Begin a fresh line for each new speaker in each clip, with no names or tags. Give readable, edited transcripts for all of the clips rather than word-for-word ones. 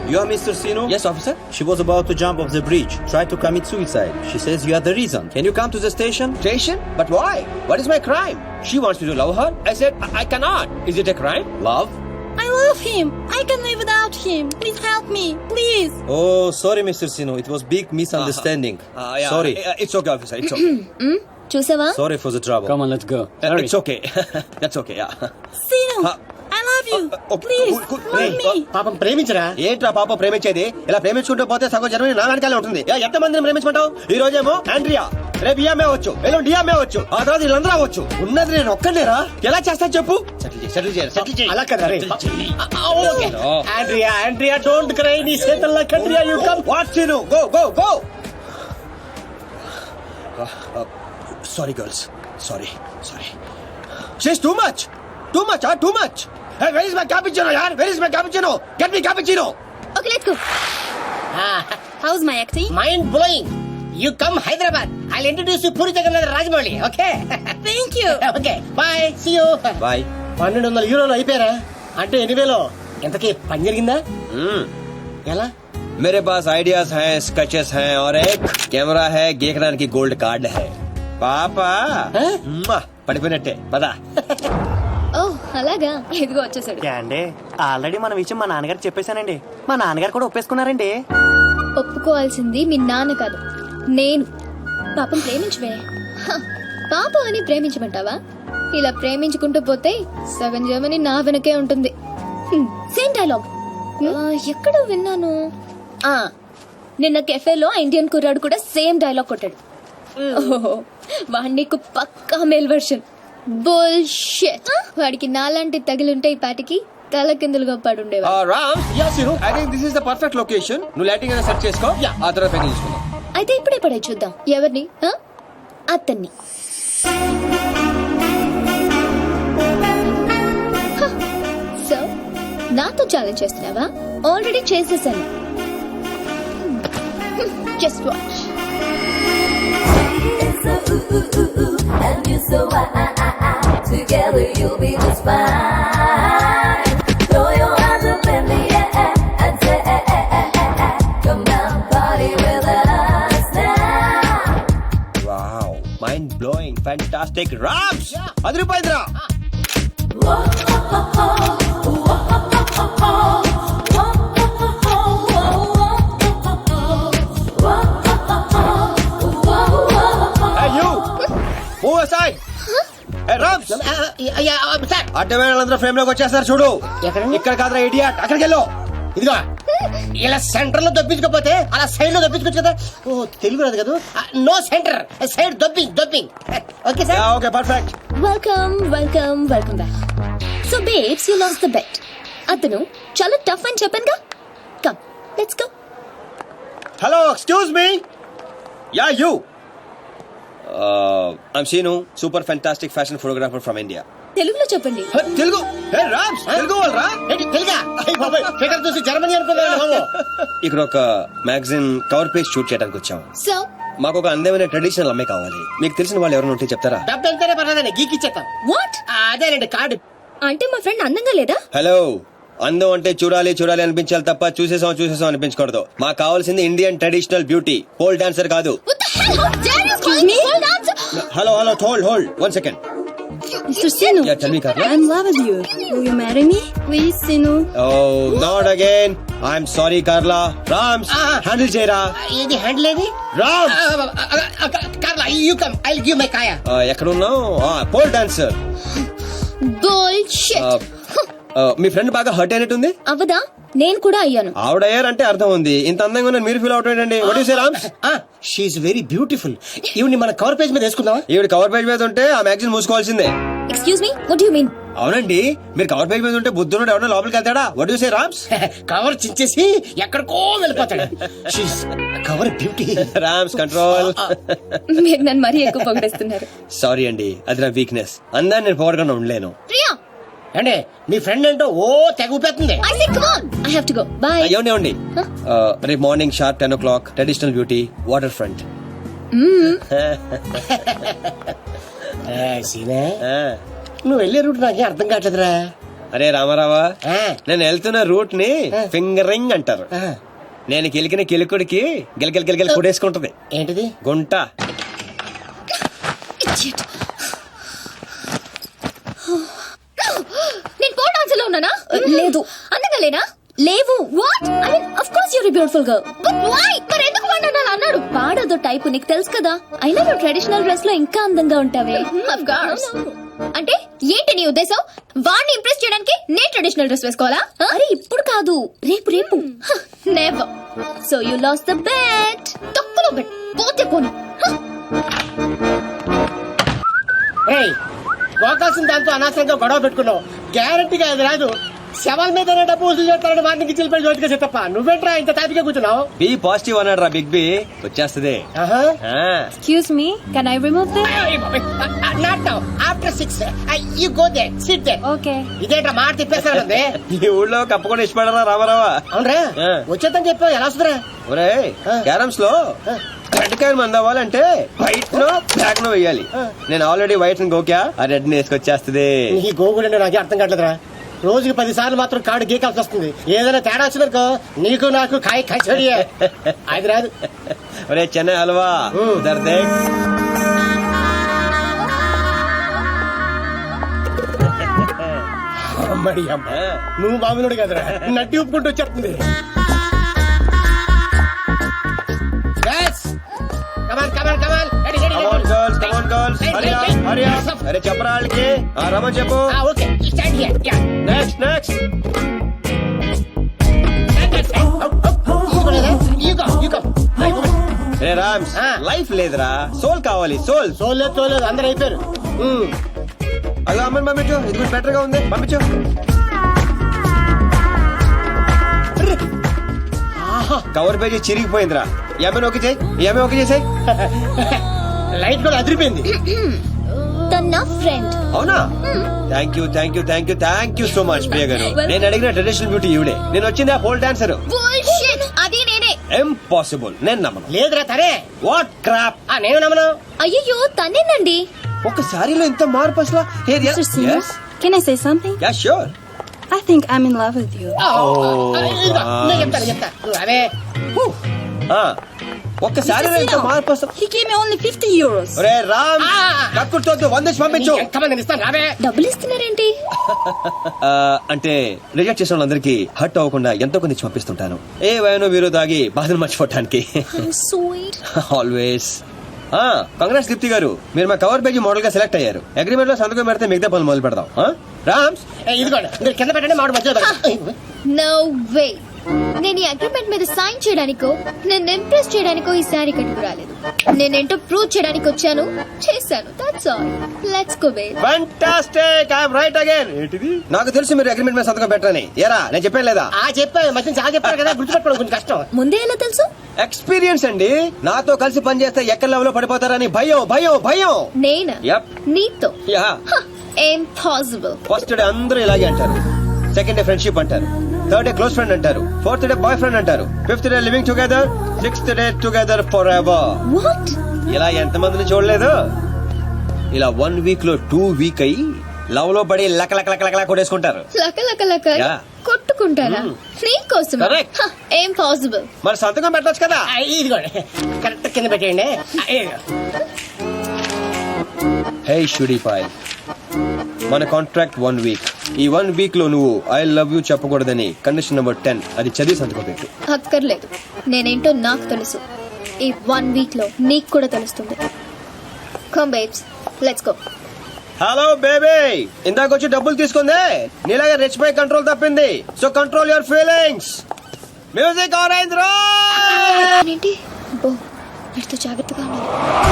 You are Mr. Sino?
Yes, officer.
She was about to jump off the bridge, tried to commit suicide. She says you are the reason. Can you come to the station?
Station? But why? What is my crime? She wants me to love her. I said, I cannot. Is it a crime?
Love?
I love him. I can live without him. Please help me. Please.
Oh, sorry, Mr. Sino. It was big misunderstanding.
Yeah.
Sorry.
It's okay, officer. It's okay.
చూసావా?
Sorry for the trouble.
Come on, let's go. Sorry.
It's okay. That's okay, yeah.
Sino, I love you. Please, help me.
పాపం ప్రేమించరా.
ఏంట్రా పాప ప్రేమించేది? ఇలా ప్రేమించుకుంటూ పోతే సగం Germany నా వెనకాలే ఉంటుంది. ఎంత మందిని ప్రేమించమంటావు? ఈ రోజేమో ఆండ్రియా, రేపు ఈఎంఏ వచ్చు, ఎల్లుండి డిఎంఏ వచ్చు, ఆ తర్వాత వీళ్ళందరూ అవ్వచ్చు. ఉన్నది నేను ఒక్కనేరా? ఎలా చేస్తా చెప్పు? సెటిల్ చేయాలి.
అలా కదా రే. Andrea don't cry. నీ చేతల్లా కండ్రియా you come.
What scene? Go. Sorry, girls. Sorry. She's too much. Hey, where is my cappuccino, yaar? Where is my cappuccino? Get me cappuccino.
Okay, let's go. How's my acting?
Mind blowing. You come Hyderabad. I'll introduce you Puri Jagannadh Rajamouli. Okay.
Thank you.
Okay bye. See you.
Bye.
1200 యూరోలు అయిపోయారా? అంటే 8,000. ఎంతకీ పని జరిగిందా? ఎలా?
मेरे पास ideas हैं, sketches हैं और एक कैमरा है. गेकरान की गोल्ड कार्ड है. పాపా పడిపోయినట్టే పదా.
ఓ అలాగా, ఇదిగో వచ్చేసాడు.
అండి ఆల్రెడీ మన విషయం మా నాన్నగారికి చెప్పేశానండి. మా నాన్నగారు కూడా ఒప్పేసుకున్నారండి.
ఒప్పుకోవాల్సింది మీ నాన్న కాదు, నేను. పాపం ప్రేమించవే. పాపం అని ప్రేమించమంటావా? ఇలా ప్రేమించుకుంటూ పోతే సగం జర్మనీ నా వెనకే ఉంటుంది. సేమ్ డైలాగ్ ఎక్కడో విన్నాను. నిన్న కెఫేలో ఇండియన్ కుర్రాడు కూడా సేమ్ డైలాగ్ కొట్టాడు. వాడి నీకు పక్కా మేల్ వర్షన్. బుల్షిట్. వాడికి నాలాంటి తగిలింటే ఈ పాటికి తల కిందులుగా పడుండేవా.
Ram, I think this is the perfect location. నువ్వు లైటింగ్ అయినా సెట్ చేసుకో, ఆ తర్వాత పైకి తీసుకుందాం.
అయితే ఇప్పుడే పడే చూద్దాం. ఎవరిని? అతన్ని. సో నాతో ఛాలెంజ్ చేస్తున్నావా? ఆల్రెడీ చేసేసాను. Just watch.
And you so together you'll be just fine. Throw your hands up in the air and say, come down, party with us now.
Wow, mind blowing, fantastic. Rams, adripoyindra. అడ్డమేళ్ళందరూ frame లోకి వచ్చేస్తారు చూడు. ఇక్కడ కాదురా idiot, అక్కడికి వెళ్ళు.
ఇదిగో ఇలా సెంటర్ లో దొప్పించకపోతే అలా సైడ్ లో దొప్పించుకోవచ్చు కదా. ఓ తెలుగు రాదు కదా. No center, side dropping. Okay sir.
Okay perfect.
Welcome back. So babes, you lost the bet. అతను చాలా టఫ్ అని చెప్పానుగా. Come let's go.
Hello, excuse me. Yeah you. I'm Seenu, super fantastic fashion photographer from India.
తెలుగులో చెప్పండి.
తెలుగు? హే రామ్స్, తెలుగు వాళ్ళరా?
తెలుగా? Theatre చూసి Germany అనుకున్నాను.
ఇక్కడ ఒక మ్యాగజైన్ కవర్ పేజ్ షూట్ చేయడానికి వచ్చాం.
సో
మాకు ఒక అందమైన ట్రెడిషనల్ అమ్మాయి కావాలి. మీకు తెలిసిన వాళ్ళు ఎవరైనా ఉంటే చెప్తారా?
డబ్బు ఎంతైనా పర్లేదండి, గీకిచ్చేస్తాం.
వాట్?
అదేనండి కార్డు.
అంటే మా ఫ్రెండ్ అందంగా లేదా?
హలో, అందం అంటే చూడాలి అనిపించాలి తప్ప చూసేసాం అనిపించకూడదు. మాకు కావాల్సింది Indian traditional beauty, pole dancer కాదు. Hello hold 1 second.
Mr. Sinu,
Yeah, tell me, Carla.
I'm in love with you. Will you marry me? Please, Sinu.
Oh, not again. I'm sorry, Carla. Rams, handle చేయరా.
ఏది handle ఏది?
Rams.
Carla, you come, I'll give my కాయా.
ఎక్కడ ఉన్నావు? Pole dancer.
Bullshit.
మీ friend బాగా hurt అయినట్టుంది.
అవదా? నేను కూడా అయ్యాను.
ఆవిడయ్యారంటే అర్థం ఉంది. ఇంత అందంగా ఉన్న మీరు ఫీల్ అవుట్ ఏంటండి? What you say Rams?
She is very beautiful. ఈవిని మన కవర్ పేజ్ మీద వేసుకుందామా?
ఈవిడ కవర్ పేజ్ మీద ఉంటే ఆ మ్యాగజైన్ మూసుకోవాల్సిందే.
Excuse me, what do you mean?
అవునండి, మీరు కవర్ పేజ్ మీద ఉంటే బుద్ధుడు ఎవరైనా లోపలికి వెళ్తాడా? What you say Rams?
Cover చించేసి ఎక్కడికో వెళ్ళిపోతాడు. She is cover beauty.
Rams control.
మీరు నన్ను మరీ ఎక్కువ పొగిడేస్తున్నారు.
సారీ అండి, అది నా వీక్నెస్. అందాన్ని నేను పొగడగా ఉండలేను.
ప్రియా,
అంటే మీ ఫ్రెండ్ ఏంటో ఓ తెగ ఊపేస్తుంది.
I say come on. I have to go. Bye.
ఏమండి రేపు morning sharp 10 o'clock traditional beauty water front.
సీనే, నువ్వు వెళ్ళే రూట్ నాకే అర్థం కావట్లేదురా.
అరే రామారావా,
ఆ.
నేను వెళ్తున్న రూట్ ని ఫింగరింగ్ అంటారు.
ఆ,
నేను కిలికిన కిలుకుడికి గిలగిల గిలగిల కొడేసుకుంటది
ఏంటిది?
గుంట.
Idiot. నేను ఫోర్ డాన్స్ లో ఉన్నానా? లేదు. అందంగా లేనా? లేవు. What? I mean of course you are beautiful girl. But why? మరి ఎందుకు వాడు అన్నాడు? వాడదో టైప్ నీకు తెలుసు కదా. అయినా నువ్వు ట్రెడిషనల్ డ్రెస్ లో ఇంకా అందంగా ఉంటావే. Of course. అంటే ఏంటి నీ ఉద్దేశం? వాడిని ఇంప్రెస్ చేయడానికి నేను ట్రెడిషనల్ డ్రెస్ వేసుకోవాలా? అరే ఇప్పుడు కాదు, రేపు రేపు. Never. So you lost the bet. తక్కువలో బెట్. పోతే పోనీ.
ఏయ్, పోకాల్సిన దాంతో అనవసరంగా గొడవ పెట్టుకున్నావు. గ్యారంటీగా అది రాదు. శవాల మీద డబ్బు వసూలు చేస్తారని వాటికి చిల్లిపోయి జోతిగా చెత్తప్ప. నువ్వేంట్రా ఇంత తాపిగా కూర్చున్నావు?
బి పాజిటివ్ అన్నాడు రా బిగ్ బి. వచ్చేస్తది.
ఆహా.
ఆ.
Excuse me, can I remove this?
Not now. After 6 you go there, sit there.
Okay.
ఇదేంట్రా మాట తిప్పేస్తానండి.
ఈ ఊళ్ళో కప్పకుండా ఇష్టపడరా రామారావా.
అవునరా?
ఆ.
వచ్చేద్దని చెప్పావు, ఎలా వస్తుందిరా?
ఒరే క్యారమ్స్ లో రెడ్ కాయన్ మంది అవ్వాలంటే వైట్ నో బ్లాక్ నో వేయాలి. నేను ఆల్రెడీ వైట్ గోక్యా, ఆ రెడ్ ని వేసుకొచ్చేస్తది.
ఈ గోగులు నాకే అర్థం కావట్లేదురా. రోజుకి 10 సార్లు మాత్రం కార్డు గీకాల్సి వస్తుంది. ఏదైనా తేడా వచ్చిందనుకో నీకు నాకు కాయ కచోడియే. అది రాదు.
ఒరే చెన్నై హల్వా దర్దే.
అమ్మడి అమ్మ, నువ్వు మామూలుడు కదరా, నడ్డి ఉప్పుకుంటూ వచ్చేస్తుంది. కమాన్ కమాన్ కమాన్.
అరే చెప్పరా వాళ్ళకి. రమన్ చెప్పు.
Okay, stand here. Yeah.
Next next. రే రామ్స్, లైఫ్ లేదురా, సోల్ కావాలి. సోల్.
తోలేదు తోలేదు, అందరు అయిపోయారు.
అలా అమ్మని పంపించు, ఇది కూడా బెటర్ గా ఉంది, పంపించు. కవర్ పేజీ చిరిగిపోయిందిరా. ఏమైనా ఓకే చేయి, ఏమైనా ఓకే చేసాయి.
లైట్ కూడా అదిరిపోయింది.
తన నా ఫ్రెండ్.
అవునా? Thank you thank you thank you thank you so much Priya గారు. నేను అడిగిన ట్రెడిషనల్ బ్యూటీ ఈవిడే. నేను వచ్చింది ఆ పోల్ డాన్సర్.
Bullshit. అది నేనే.
ఇంపాసిబుల్, నేను నమ్మను.
లేదురా తనే.
What crap.
నేను నమ్మను.
అయ్యో తనేనండి.
ఒక సారీలో ఇంత మార్పు అసలు.
Mr. Singer, can I say something?
Yeah sure.
I think I'm in love with you.
ఇదిగో, నేను చెప్తా. నువ్వు అవే.
ఒక్క సారీలో ఇంత మార్పు అసలు.
He gave me only 50 euros.
ఒరే రామ్, కక్కుర్తోద్దు, 100 పంపించు.
ఎంతమంది ఇస్తాను రావే.
డబ్బులు ఇస్తున్నారేంటి?
అంటే రిజెక్ట్ చేసిన వాళ్ళందరికీ హర్ట్ అవ్వకుండా ఎంతో కొంది పంపిస్తుంటాను. ఏ వయనో వీరో దాగి బాధను మర్చిపోవటానికి.
స్వీట్.
ఆల్వేస్. కంగ్రాట్స్ దీప్తి గారు, మీరు మా కవర్ పేజీ మోడల్ గా సెలెక్ట్ అయ్యారు. అగ్రిమెంట్ లో సంతకం పెడితే మిగతా పనులు మొదలు పెడదాం. రామ్స్,
ఇదిగోండి, మీరు కింద పెట్టండి, మామిడి మధ్యలో పెట్టండి.
No way. నేను ఈ అగ్రిమెంట్ మీద సైన్ చేయడానికో నేను ఇంప్రెస్ చేయడానికో ఈ సారీ కట్టుకు రాలేదు. నేనేంటో ప్రూవ్ చేయడానికి వచ్చాను, చేశాను. That's all. Let's go bae.
Fantastic, I am right again. ఏంటిది? నాకు తెలుసు మీరు అగ్రిమెంట్ మీద సంతకం పెట్టరని. ఏరా నేను చెప్పాను లేదా?
చెప్పాను, మధ్య చాలా చెప్పారు కదా, గుర్తుపెట్టుకోవడం కొంచెం కష్టం.
ముందే ఎలా తెలుసు?
ఎక్స్పీరియన్స్ అండి. నాతో కలిసి పనిచేస్తే ఎక్కడ లెవెల్లో పడిపోతారని భయం భయం భయం.
నేనా?
Yep.
నీతో?
యా.
ఇంపాసిబుల్.
ఫస్ట్ డే అందరూ ఇలాగే అంటారు, సెకండ్ డే ఫ్రెండ్షిప్ అంటారు, థర్డ్ డే క్లోజ్ ఫ్రెండ్ అంటారు, ఫోర్త్ డే బాయ్ ఫ్రెండ్ అంటారు, fifth day living together, sixth day together forever.
What?
ఇలా ఎంతమందిని చూడలేదు? ఇలా 1 వీక్ లో 2 వీక్ అయ్యి లవ్ లో పడి లక లక లక లక కొట్టేసుకుంటారు.
లక లక లక
Yeah.
కొట్టుకుంటారా? నీకోసం.
Correct.
ఇంపాసిబుల్.
మరి సంతకం పెట్టొచ్చు కదా.
ఇదిగోండి, కరెక్ట్ కింద పెట్టేయండి.
హే షుడీపాయ్, మన కాంట్రాక్ట్ 1 వీక్. ఈ 1 వీక్ లో నువ్వు ఐ లవ్ యూ చెప్పకూడదని కండిషన్ నెంబర్ 10 అది చదివి సంతకం పెట్టు.
అక్కర్లేదు, నేనేంటో నాకు తెలుసు. ఈ 1 వీక్ లో నీకు కూడా తెలుస్తుంది. Come babes, let's go.
Hello baby, ఇందాక వచ్చి డబ్బులు తీసుకుందే నీలాగా రిచ్ పై కంట్రోల్ తప్పింది. So control your feelings. Music on అయింది రో.
ఏంటి? అబ్బో, వీటితో జాగ్రత్తగా ఉండాలి.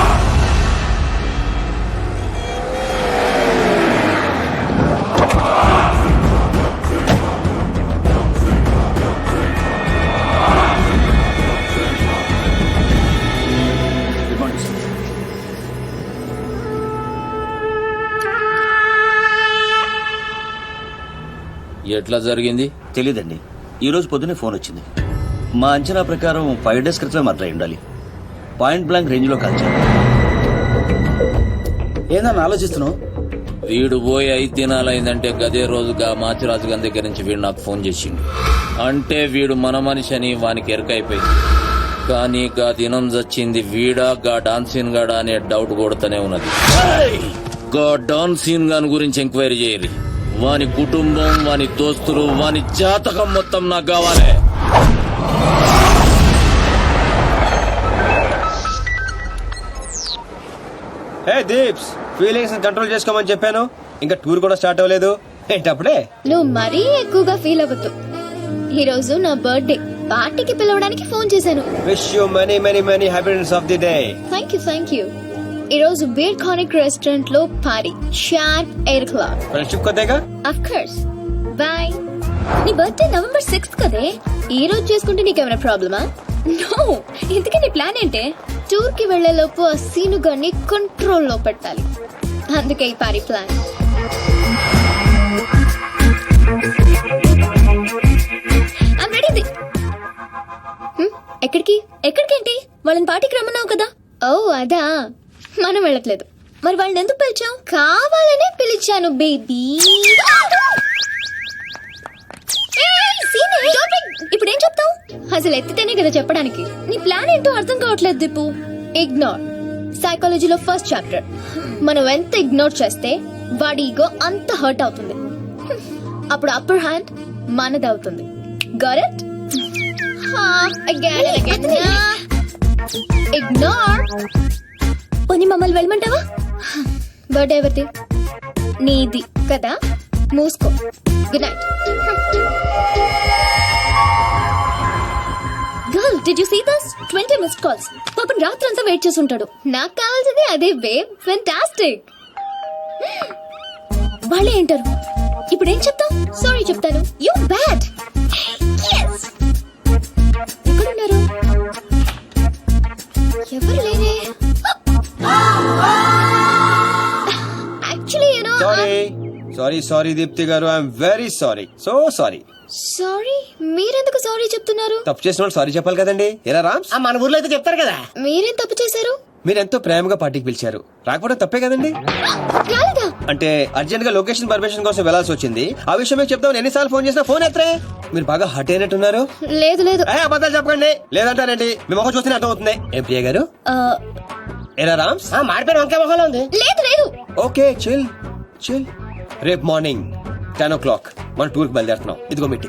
ఎట్లా జరిగింది
తెలీదండి. ఈ రోజు పొద్దునే ఫోన్ వచ్చింది. మా అంచనా ప్రకారం 5 days క్రితమే మర్డర్ అయి ఉండాలి. పాయింట్ బ్లాంక్ రేంజ్ లో కాల్చారు.
ఏందన్నా ఆలోచిస్తున్నావు?
వీడు పోయి 5 దినాలైందంటే గదే రోజుగా మాచిరాజు గారి దగ్గర నుంచి వీడు నాకు ఫోన్ చేసిండు. అంటే వీడు మన మనిషి అని వానికి ఎరకైపోయింది. కానీ గా దినం చచ్చింది వీడా గా డాన్సీన్ గాడా అనే డౌట్ కొడుతూనే ఉన్నది. గా డాన్సీన్ గాని గురించి ఎంక్వైరీ చేయరు. వాని కుటుంబం, వాని దోస్తులు, వాని జాతకం మొత్తం నాకు కావాలి.
హే దీప్స్, ఫీలింగ్స్ కంట్రోల్ చేసుకోమని చెప్పాను. ఇంకా టూర్ కూడా స్టార్ట్ అవ్వలేదు ఏంటప్పుడే.
నువ్వు మరీ ఎక్కువగా ఫీల్ అవ్వద్దు. ఈ రోజు నా బర్త్డే పార్టీకి పిలవడానికి ఫోన్ చేశాను.
Wish you many many many happiness of the day.
Thank you. ఈ రోజు బీర్ కానిక్ రెస్టారెంట్ లో పార్టీ, షార్ప్ 8 o'clock.
ఫ్రెండ్షిప్ కొద్దిగా.
Of course. Bye. నీ బర్త్డే November 6th కదే. ఈ రోజు చేసుకుంటే నీకేమైనా ప్రాబ్లమా? నో. ఇంతకీ నీ ప్లాన్ ఏంటే? టూర్ కి వెళ్లే లోపు ఆ సీను గారిని కంట్రోల్ లో పెట్టాలి. అందుకే ఈ పార్టీ ప్లాన్. I'm ready. ఎక్కడికేంటి? వాళ్ళని పార్టీకి రమ్మన్నావు కదా. ఓ అదా, మనం వెళ్ళట్లేదు. మరి వాళ్ళని ఎందుకు పిలిచావు? కావాలనే పిలిచాను బేబీ. ఇప్పుడు ఏం చెప్తావు? అసలు ఎత్తితేనే కదా చెప్పడానికి. నీ ప్లాన్ ఏంటో అర్థం కావట్లేదు దీపు. ఇగ్నోర్. సైకాలజీలో ఫస్ట్ చాప్టర్. మనం ఎంత ఇగ్నోర్ చేస్తే వాడి ఈగో అంత హర్ట్ అవుతుంది. అప్పుడు అప్పర్ హ్యాండ్ మనదవుతుంది. Got it? ఇగ్నోర్. పోనీ మమ్మల్ని వెళ్ళమంటావా? బర్త్డే ఎవరిది? నీది కదా. మూసుకో. Good night. Girl, did you see this? 20 missed calls. పాపం రాత్రంతా వెయిట్ చేసి ఉంటాడు. నాకు కావాల్సింది అదే బేబ్. ఫెంటాస్టిక్. వాళ్ళే ఏంటారు. ఇప్పుడు ఏం చెప్తావు? సారీ చెప్తాను. You bad. yes. ఎక్కడున్నారు? ఎవరు లేరే. Actually you know.
Sorry Deepti గారు, I'm very sorry. So sorry.
Sorry? మీరెందుకు సారీ చెప్తున్నారు?
తప్పు చేసిన వాళ్ళు సారీ చెప్పాలి కదండి. ఎరా రామ్స్,
మన ఊర్లో అయితే చెప్తారు కదా.
మీరేం తప్పు చేశారు?
మీరెంతో ప్రేమగా పార్టీకి పిలిచారు. రాకపోవడం తప్పే కదండి.
రాలేదా?
అంటే అర్జెంట్ గా లొకేషన్ పర్మిషన్ కోసం వెళ్లాల్సి వచ్చింది. ఆ విషయం మీకు చెప్తామని ఎన్నిసార్లు ఫోన్ చేసినా ఫోన్ ఎత్తరే. మీరు బాగా హట్ అయినట్టున్నారు.
లేదు లేదు.
అబద్ధాలు చెప్పకండి. లేదంటారండి. మీ మొహం చూస్తేనే అర్థం అవుతుంది. ఏం ప్రియ గారు? ఎరా రామ్స్,
మాడిపోయిన వంకాయ మొహంలో ఉంది.
లేదు లేదు.
Okay chill. రేపు మార్నింగ్ 10 o'clock మన టూర్ కి బయలుదేరుతున్నాం. ఇదిగో మీటింగ్.